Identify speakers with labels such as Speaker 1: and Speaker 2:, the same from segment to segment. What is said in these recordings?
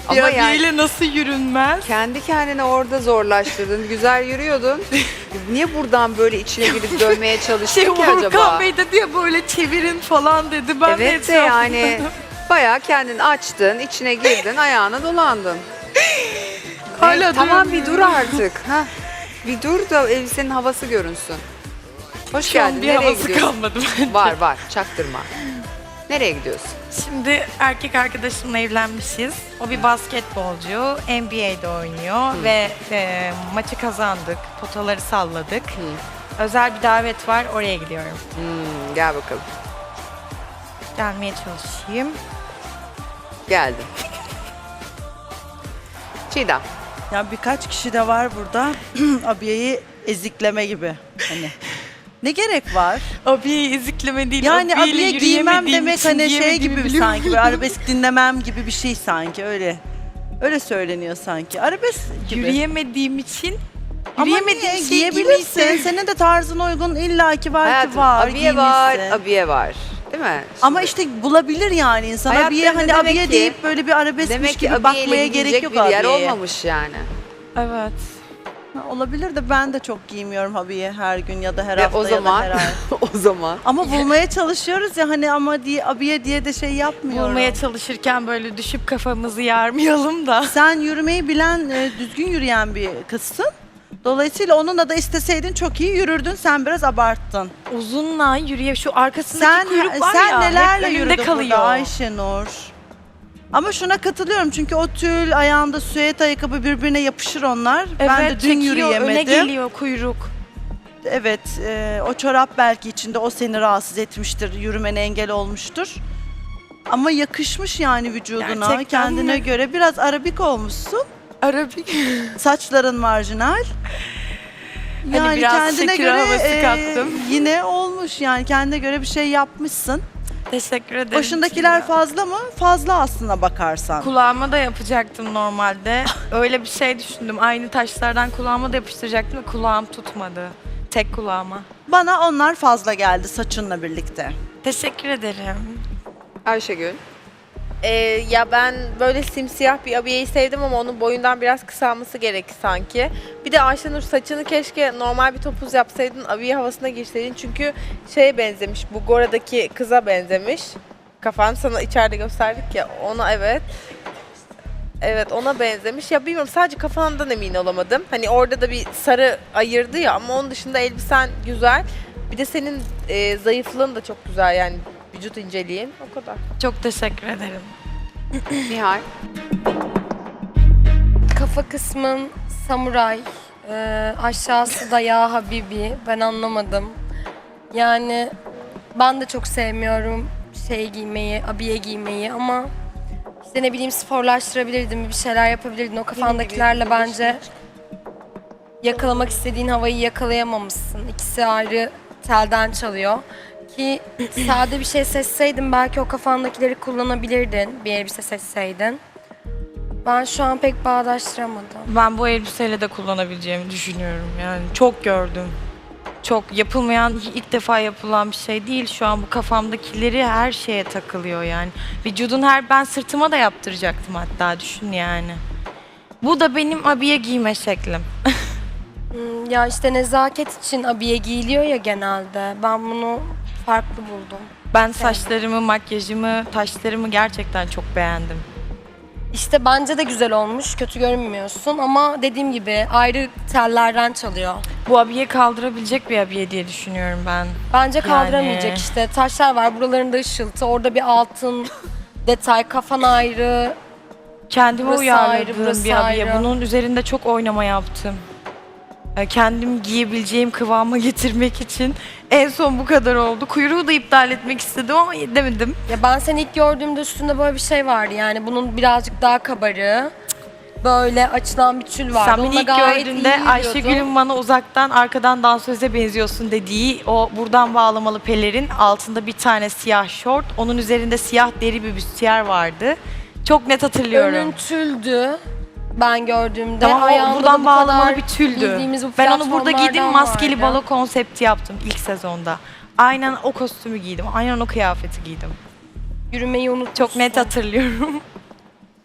Speaker 1: Ama
Speaker 2: Ama
Speaker 1: yani
Speaker 2: yani nasıl yürünmez?
Speaker 1: kendi kendine orada zorlaştırdın. Güzel yürüyordun. Niye buradan böyle içine girip dönmeye çalıştın ki
Speaker 2: Volkan
Speaker 1: acaba?
Speaker 2: Bey de diye böyle çevirin falan dedi. Ben
Speaker 1: Evet de
Speaker 2: etrafında-
Speaker 1: yani bayağı kendini açtın, içine girdin, ayağına dolandın.
Speaker 2: Hala
Speaker 1: Evet, tamam
Speaker 2: diyorum
Speaker 1: bir dur
Speaker 2: ya.
Speaker 1: artık. Hah. Bir dur da elbisenin havası görünsün. Hoş
Speaker 2: Şu an
Speaker 1: geldin.
Speaker 2: bir
Speaker 1: Nereye
Speaker 2: havası
Speaker 1: gidiyorsun?
Speaker 2: kalmadı bence.
Speaker 1: Var çaktırma. Nereye gidiyorsun?
Speaker 2: Şimdi erkek arkadaşımla evlenmişiz. O bir basketbolcu. NBA'de oynuyor ve maçı kazandık. Potaları salladık. Özel bir davet var. Oraya gidiyorum.
Speaker 1: Gel bakalım.
Speaker 2: Gelmeye çalışayım.
Speaker 1: Geldim. Çiğdem.
Speaker 3: Ya birkaç kişi de var burada abiyeyi ezikleme gibi. Hani ne gerek var?
Speaker 2: Abiye ezikleme değil.
Speaker 3: Yani
Speaker 2: abiyeyle
Speaker 3: abiye giymem
Speaker 2: yürüyemediğim
Speaker 3: demek
Speaker 2: için
Speaker 3: hani şey
Speaker 2: giyemediğimi
Speaker 3: gibi
Speaker 2: biliyorum.
Speaker 3: sanki böyle arabesk dinlemem gibi bir şey sanki öyle. Öyle söyleniyor sanki. Arabesk gibi.
Speaker 2: Yürüyemediğim için
Speaker 3: Ama
Speaker 2: yürüyemediğim
Speaker 3: niye?
Speaker 2: şeyi
Speaker 3: Giyebilirsin.
Speaker 2: giymeyi
Speaker 3: Senin de tarzına uygun illaki var
Speaker 1: Hayatım,
Speaker 3: ki var.
Speaker 1: abiye var,
Speaker 3: giymişsin.
Speaker 1: abiye var. Değil mi?
Speaker 3: Ama işte bulabilir yani insan. Abiye
Speaker 1: Hayatlarında
Speaker 3: hani
Speaker 1: demek
Speaker 3: abiye
Speaker 1: ki-
Speaker 3: deyip böyle bir arabeskmiş
Speaker 1: Demek ki
Speaker 3: gibi
Speaker 1: abiyeyle
Speaker 3: bakmaya gerek
Speaker 1: gidilecek
Speaker 3: yok
Speaker 1: bir yer
Speaker 3: abiyeye.
Speaker 1: olmamış yani.
Speaker 2: Evet.
Speaker 3: Ha, olabilir de ben de çok giymiyorum abiye her gün ya da her
Speaker 1: Ve
Speaker 3: hafta
Speaker 1: o
Speaker 3: ya
Speaker 1: zaman,
Speaker 3: da her ay.
Speaker 1: o zaman.
Speaker 3: Ama bulmaya çalışıyoruz ya hani ama diye abiye diye de şey yapmıyorum.
Speaker 2: Bulmaya çalışırken böyle düşüp kafamızı yarmayalım da.
Speaker 3: Sen yürümeyi bilen, düzgün yürüyen bir kızsın. Dolayısıyla onunla da isteseydin çok iyi yürürdün. Sen biraz abarttın.
Speaker 2: Uzunla yürüye şu arkasındaki
Speaker 3: Sen
Speaker 2: kuyruk var
Speaker 3: sen
Speaker 2: ya
Speaker 3: nelerle
Speaker 2: hep önümde
Speaker 3: yürüdün
Speaker 2: kalıyor.
Speaker 3: burada Ayşenur? Ama şuna katılıyorum çünkü o tül, ayağında süet ayakkabı birbirine yapışır onlar.
Speaker 2: Evet,
Speaker 3: ben de dün
Speaker 2: çekiyor,
Speaker 3: yürüyemedim.
Speaker 2: öne geliyor kuyruk.
Speaker 3: Evet, o çorap belki içinde o seni rahatsız etmiştir, yürümene engel olmuştur. Ama yakışmış yani vücuduna,
Speaker 2: Gerçekten
Speaker 3: kendine
Speaker 2: mi?
Speaker 3: göre. Biraz arabik olmuşsun.
Speaker 2: Arabik.
Speaker 3: Saçların marjinal.
Speaker 2: Hani biraz Shakira havası kattım.
Speaker 3: Yine olmuş yani kendine göre bir şey yapmışsın.
Speaker 2: Teşekkür ederim.
Speaker 3: Başındakiler
Speaker 2: Çiğdem.
Speaker 3: fazla mı? Fazla aslına bakarsan.
Speaker 2: Kulağıma da yapacaktım normalde. Öyle bir şey düşündüm. Aynı taşlardan kulağıma da yapıştıracaktım ve kulağım tutmadı. Tek kulağıma.
Speaker 3: Bana onlar fazla geldi saçınla birlikte.
Speaker 2: Teşekkür ederim.
Speaker 1: Ayşegül.
Speaker 4: Ya ben böyle simsiyah bir abiyeyi sevdim ama onun boyundan biraz kısalması gerekli sanki. Bir de Ayşenur saçını keşke normal bir topuz yapsaydın, abiye havasına girseydin. Çünkü şeye benzemiş, bu Gora'daki kıza benzemiş. Kafan sana içeride gösterdik ya, ona evet. Evet ona benzemiş. Ya bilmiyorum sadece kafandan emin olamadım. Hani orada da bir sarı ayırdı ya ama onun dışında elbisen güzel. Bir de senin zayıflığın da çok güzel yani vücut inceliğin o kadar.
Speaker 2: Çok teşekkür ederim.
Speaker 1: Nihal.
Speaker 5: Kafa kısmın samuray, aşağısı da ya Habibi. Ben anlamadım. Yani ben de çok sevmiyorum şey giymeyi, abiye giymeyi ama işte ne bileyim sporlaştırabilirdin, bir şeyler yapabilirdin. O kafandakilerle bence yakalamak istediğin havayı yakalayamamışsın. İkisi ayrı telden çalıyor. Ki sade bir şey seçseydin belki o kafandakileri kullanabilirdin, bir elbise seçseydin. Ben şu an pek bağdaştıramadım.
Speaker 2: Ben bu elbiseyle de kullanabileceğimi düşünüyorum. Yani çok gördüm. Çok yapılmayan, ilk defa yapılan bir şey değil. Şu an bu kafamdakileri her şeye takılıyor yani. Vücudun ben sırtıma da yaptıracaktım hatta düşün yani. Bu da benim abiye giyme şeklim.
Speaker 5: Ya işte nezaket için abiye giyiliyor ya genelde. Ben bunu farklı buldum.
Speaker 2: Ben saçlarımı, makyajımı, taşlarımı gerçekten çok beğendim.
Speaker 5: İşte bence de güzel olmuş, kötü görünmüyorsun ama dediğim gibi ayrı tellerden çalıyor.
Speaker 2: Bu abiye kaldırabilecek bir abiye diye düşünüyorum ben.
Speaker 5: Bence kaldıramayacak
Speaker 2: Yani.
Speaker 5: işte. Taşlar var, buralarında ışıltı, orada bir altın detay, kafan ayrı.
Speaker 2: Kendime
Speaker 5: Burası
Speaker 2: uyarladığım
Speaker 5: ayrı, burası
Speaker 2: bir abiye.
Speaker 5: ayrı.
Speaker 2: Bunun üzerinde çok oynama yaptım. Kendim giyebileceğim kıvama getirmek için en son bu kadar oldu. Kuyruğu da iptal etmek istedim ama edemedim.
Speaker 5: Ya ben seni ilk gördüğümde üstünde böyle bir şey vardı yani bunun birazcık daha kabarığı. Böyle açılan bir tül vardı.
Speaker 2: Sen beni
Speaker 5: Onunla
Speaker 2: ilk
Speaker 5: gayet iyi
Speaker 2: gördüğünde
Speaker 5: yürüyordun.
Speaker 2: Ayşegül'ün bana uzaktan arkadan dansöze benziyorsun dediği o buradan bağlamalı pelerin altında bir tane siyah şort. Onun üzerinde siyah deri bir büstiyer vardı. Çok net hatırlıyorum.
Speaker 5: Önün tüldü ben gördüğümde.
Speaker 2: Tamam o
Speaker 5: Ayağında da
Speaker 2: buradan
Speaker 5: bu
Speaker 2: bağlamalı
Speaker 5: kadar
Speaker 2: bir tüldü.
Speaker 5: bildiğimiz bu
Speaker 2: Ben onu burada giydim
Speaker 5: platformlardan
Speaker 2: maskeli
Speaker 5: vardı.
Speaker 2: balo konsepti yaptım ilk sezonda. Aynen o kostümü giydim. Aynen o kıyafeti giydim.
Speaker 5: Yürümeyi unutmuşsun.
Speaker 2: Çok net hatırlıyorum.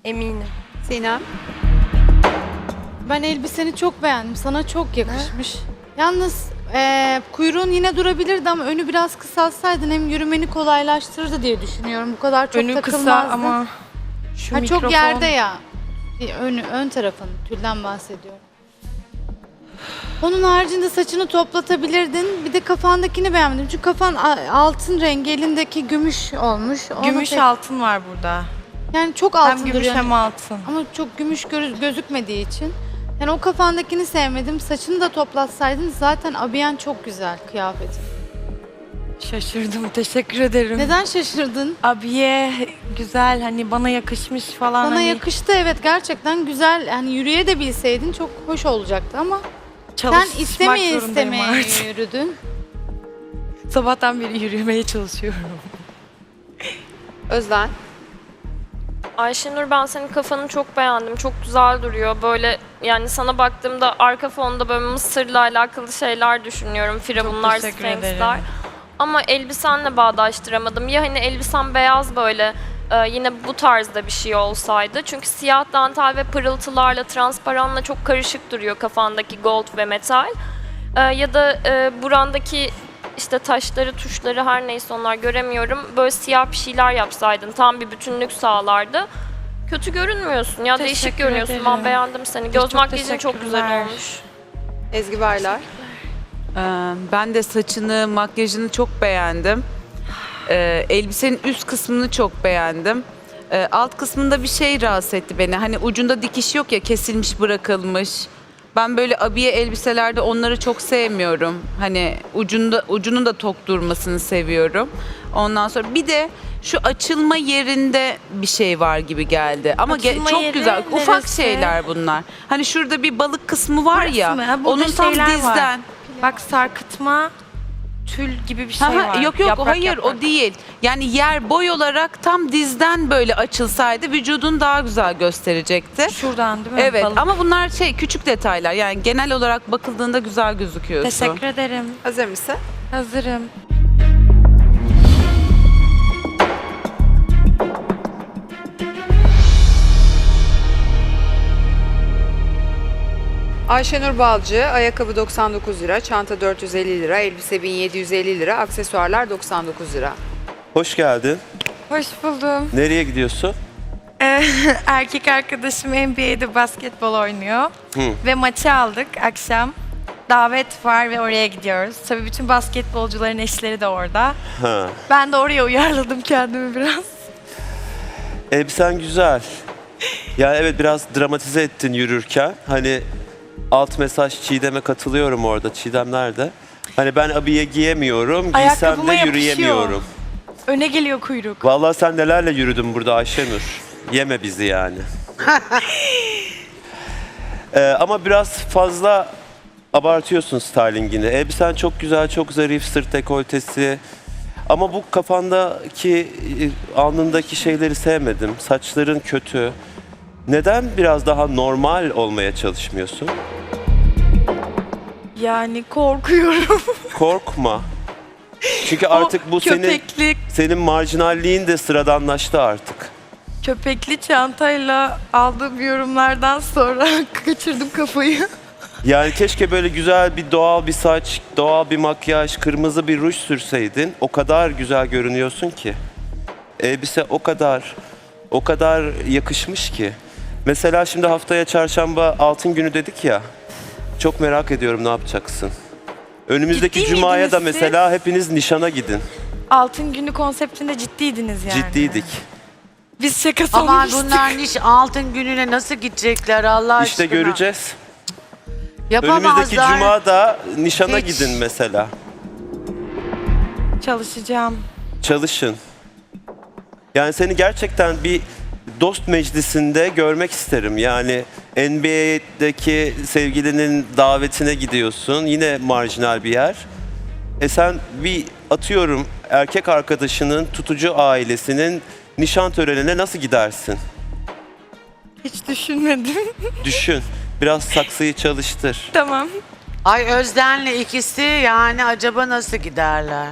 Speaker 5: eminim.
Speaker 1: Sinem.
Speaker 6: Ben elbiseni çok beğendim. Sana çok yakışmış. Yalnız kuyruğun yine durabilirdi ama önü biraz kısaltsaydın hem yürümeni kolaylaştırırdı diye düşünüyorum. Bu kadar çok
Speaker 2: Önü kısa
Speaker 6: takılmazdı.
Speaker 2: ama şu
Speaker 6: Ha,
Speaker 2: mikrofon.
Speaker 6: çok yerde ya. Bir ön tarafın, tülden bahsediyorum. Onun haricinde saçını toplatabilirdin. Bir de kafandakini beğenmedim. Çünkü kafan altın rengi, elindeki gümüş olmuş. Onu
Speaker 2: Gümüş
Speaker 6: pek-
Speaker 2: altın var burada.
Speaker 6: Yani çok altın
Speaker 2: Hem gümüş
Speaker 6: duruyor.
Speaker 2: hem altın.
Speaker 6: Ama çok gümüş gözükmediği için. Yani o kafandakini sevmedim. Saçını da toplatsaydın zaten abiyen çok güzel kıyafetin.
Speaker 2: Şaşırdım. Teşekkür ederim.
Speaker 6: Neden şaşırdın?
Speaker 2: Abiye güzel, hani bana yakışmış falan.
Speaker 6: Sana
Speaker 2: hani
Speaker 6: yakıştı, evet, gerçekten güzel. Yani yürüye de bilseydin çok hoş olacaktı ama sen
Speaker 2: çalışmak
Speaker 6: istemeye
Speaker 2: zorundayım
Speaker 6: istemeye
Speaker 2: artık.
Speaker 6: yürüdün.
Speaker 2: Sabahtan beri yürümeye çalışıyorum.
Speaker 1: Özden.
Speaker 7: Ayşenur, ben senin kafanı çok beğendim. Çok güzel duruyor. Böyle yani sana baktığımda arka fonda böyle Mısır'la alakalı şeyler düşünüyorum. Firavunlar,
Speaker 2: teşekkür
Speaker 7: Sphinx'ler.
Speaker 2: ederim.
Speaker 7: Ama elbisenle bağdaştıramadım. Ya hani elbisen beyaz böyle yine bu tarzda bir şey olsaydı. Çünkü siyah dantel ve pırıltılarla, transparanla çok karışık duruyor kafandaki gold ve metal. Ya da burandaki işte taşları, tuşları her neyse onlar göremiyorum. Böyle siyah bir şeyler yapsaydın tam bir bütünlük sağlardı. Kötü görünmüyorsun ya, değişik
Speaker 2: Teşekkür
Speaker 7: görünüyorsun.
Speaker 2: ederim.
Speaker 7: Ben beğendim seni. Göz
Speaker 2: Çok
Speaker 7: makyajın çok güzel
Speaker 2: teşekkürler.
Speaker 7: olmuş.
Speaker 1: Ezgi Baylar.
Speaker 8: Ben de saçını, makyajını çok beğendim. Elbisenin üst kısmını çok beğendim. Alt kısmında bir şey rahatsız etti beni. Hani ucunda dikiş yok ya, kesilmiş, bırakılmış. Ben böyle abiye elbiselerde onları çok sevmiyorum. Hani ucunun da tok durmasını seviyorum. Ondan sonra bir de şu açılma yerinde bir şey var gibi geldi. Ama
Speaker 2: Açılma
Speaker 8: çok
Speaker 2: yeri
Speaker 8: güzel. Ufak
Speaker 2: neresi?
Speaker 8: şeyler bunlar. Hani şurada bir balık kısmı var ya.
Speaker 2: Burası mı? Ha, burada
Speaker 8: Onun tam
Speaker 2: şeyler var.
Speaker 8: dizden.
Speaker 2: Bak, sarkıtma, tül gibi bir şey
Speaker 8: Aha,
Speaker 2: var.
Speaker 8: yok
Speaker 2: Yaprak,
Speaker 8: hayır
Speaker 2: yaprak.
Speaker 8: o değil. Yani yer boy olarak tam dizden böyle açılsaydı vücudun daha güzel gösterecekti.
Speaker 2: Şuradan değil mi?
Speaker 8: Evet
Speaker 2: Balık.
Speaker 8: ama bunlar küçük detaylar. Yani genel olarak bakıldığında güzel gözüküyorsun.
Speaker 2: Teşekkür ederim.
Speaker 1: Hazır mısın?
Speaker 2: Hazırım.
Speaker 1: Ayşenur Balcı, ayakkabı 99 lira, çanta 450 lira, elbise 1750 lira, aksesuarlar 99 lira.
Speaker 9: Hoş geldin.
Speaker 2: Hoş buldum.
Speaker 9: Nereye gidiyorsun?
Speaker 2: Erkek arkadaşım NBA'de basketbol oynuyor.
Speaker 9: Hı.
Speaker 2: Ve maçı aldık akşam. Davet var ve oraya gidiyoruz. Tabii bütün basketbolcuların eşleri de orada.
Speaker 9: Ha.
Speaker 2: Ben de oraya uyarladım kendimi biraz.
Speaker 9: Elbisen güzel. Yani evet, biraz dramatize ettin yürürken. Hani alt mesaj Çiğdem'e katılıyorum orada. Çiğdem nerede? Hani ben abiye giyemiyorum, giysem
Speaker 2: Ayakkabıma
Speaker 9: de
Speaker 2: yapışıyor.
Speaker 9: yürüyemiyorum.
Speaker 2: Öne geliyor kuyruk.
Speaker 9: Vallahi sen nelerle yürüdün burada Ayşenur. Yeme bizi yani. Ama biraz fazla abartıyorsun stylingini. Elbisen çok güzel, çok zarif, sırt dekoltesi. Ama bu kafandaki, alnındaki şeyleri sevmedim. Saçların kötü. Neden biraz daha normal olmaya çalışmıyorsun?
Speaker 2: Yani korkuyorum.
Speaker 9: Korkma. Çünkü artık bu senin marjinalliğin de sıradanlaştı artık.
Speaker 2: Köpekli çantayla aldığım yorumlardan sonra kaçırdım kafayı.
Speaker 9: Yani keşke böyle güzel bir doğal bir saç, doğal bir makyaj, kırmızı bir ruj sürseydin. O kadar güzel görünüyorsun ki. Elbise o kadar yakışmış ki. Mesela şimdi haftaya çarşamba altın günü dedik ya. Çok merak ediyorum ne yapacaksın. Önümüzdeki
Speaker 2: Ciddi
Speaker 9: cumaya da
Speaker 2: miydiniz siz?
Speaker 9: mesela hepiniz nişana gidin.
Speaker 2: Altın günü konseptinde ciddiydiniz yani.
Speaker 9: Ciddiydik.
Speaker 2: Biz şaka
Speaker 10: Ama
Speaker 2: sanmıştık.
Speaker 10: bunlar altın gününe nasıl gidecekler Allah aşkına?
Speaker 9: İşte göreceğiz.
Speaker 10: Yapamazlar.
Speaker 9: Önümüzdeki cuma da nişana
Speaker 10: Hiç.
Speaker 9: gidin mesela.
Speaker 2: Çalışacağım.
Speaker 9: Çalışın. Yani seni gerçekten bir dost meclisinde görmek isterim. Yani NBA'deki sevgilinin davetine gidiyorsun. Yine marjinal bir yer. Sen bir atıyorum erkek arkadaşının tutucu ailesinin nişan törenine nasıl gidersin?
Speaker 2: Hiç düşünmedim.
Speaker 9: Düşün. Biraz saksıyı çalıştır.
Speaker 2: Tamam.
Speaker 10: Ay Özden'le ikisi yani acaba nasıl giderler?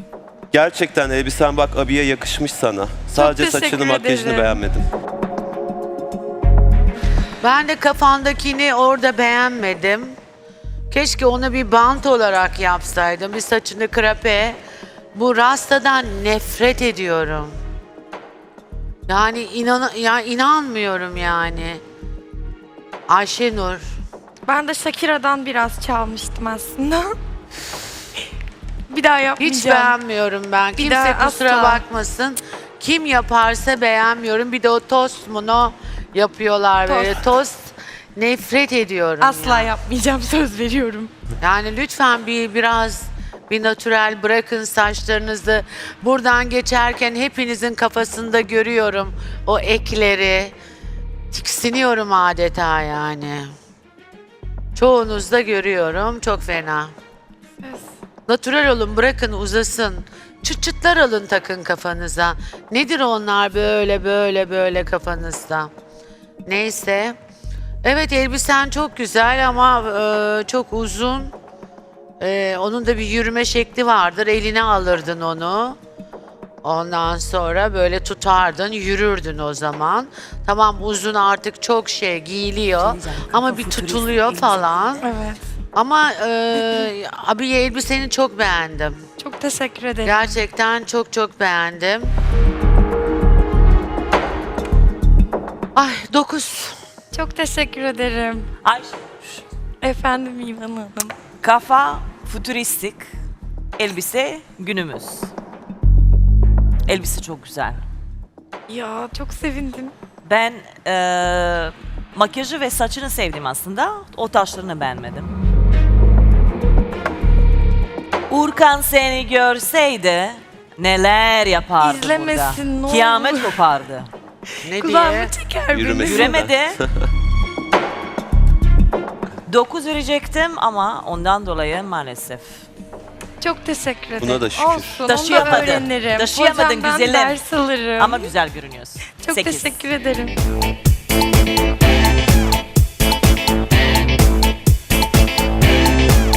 Speaker 9: Gerçekten elbisen bak abiye yakışmış sana. Sadece
Speaker 2: teşekkür
Speaker 9: saçını makyajını
Speaker 2: ederim.
Speaker 9: beğenmedim.
Speaker 10: Ben de kafandakini orada beğenmedim. Keşke onu bir bant olarak yapsaydım. Bir saçını krape. Bu rastadan nefret ediyorum. Yani inanmıyorum yani. Ayşenur.
Speaker 2: Ben de Shakira'dan biraz çalmıştım aslında. Bir daha yapmayacağım.
Speaker 10: Hiç beğenmiyorum ben. Kimse
Speaker 2: daha
Speaker 10: kusura
Speaker 2: asla.
Speaker 10: bakmasın. Kim yaparsa beğenmiyorum. Bir de o tost mu yapıyorlar böyle. Tost nefret ediyorum.
Speaker 2: Asla
Speaker 10: ya.
Speaker 2: yapmayacağım, söz veriyorum.
Speaker 10: Yani lütfen biraz natürel bırakın saçlarınızı. Buradan geçerken hepinizin kafasında görüyorum o ekleri. Tiksiniyorum adeta yani. Çoğunuzda görüyorum. Çok fena. Natürel olun, bırakın uzasın. Çıt çıtlar alın takın kafanıza. Nedir onlar böyle kafanızda? Neyse. Evet, elbisen çok güzel ama çok uzun. Onun da bir yürüme şekli vardır. Eline alırdın onu. Ondan sonra böyle tutardın, yürürdün o zaman. Tamam, uzun artık çok giyiliyor ama bir tutuluyor falan.
Speaker 2: Evet.
Speaker 10: Ama abiye elbiseni çok beğendim.
Speaker 2: Çok teşekkür ederim.
Speaker 10: Gerçekten çok beğendim. Ay 9.
Speaker 2: Çok teşekkür ederim.
Speaker 11: Ayşe,
Speaker 2: Efendim İvan Hanım.
Speaker 11: kafa fütüristik, elbise günümüz. Elbise çok güzel.
Speaker 2: Ya çok sevindim.
Speaker 11: Ben makyajı ve saçını sevdim aslında. O taşlarını beğenmedim. Urkan seni görseydi neler yapardı
Speaker 2: İzlemesin, ne
Speaker 11: burada.
Speaker 2: olur.
Speaker 11: Kıyamet kopardı.
Speaker 10: Ne diye?
Speaker 2: Kulağımı çeker beni.
Speaker 9: Yürümesi.
Speaker 11: Yüremedi. 9 verecektim ama ondan dolayı maalesef.
Speaker 2: Çok teşekkür ederim.
Speaker 9: Buna da şükür.
Speaker 2: Olsun, onu da
Speaker 11: Taşıyamadın.
Speaker 2: öğrenirim.
Speaker 11: Taşıyamadın
Speaker 2: Hocamdan
Speaker 11: güzelim.
Speaker 2: ders alırım.
Speaker 11: Ama güzel görünüyorsun.
Speaker 2: Çok
Speaker 11: 8.
Speaker 2: teşekkür ederim.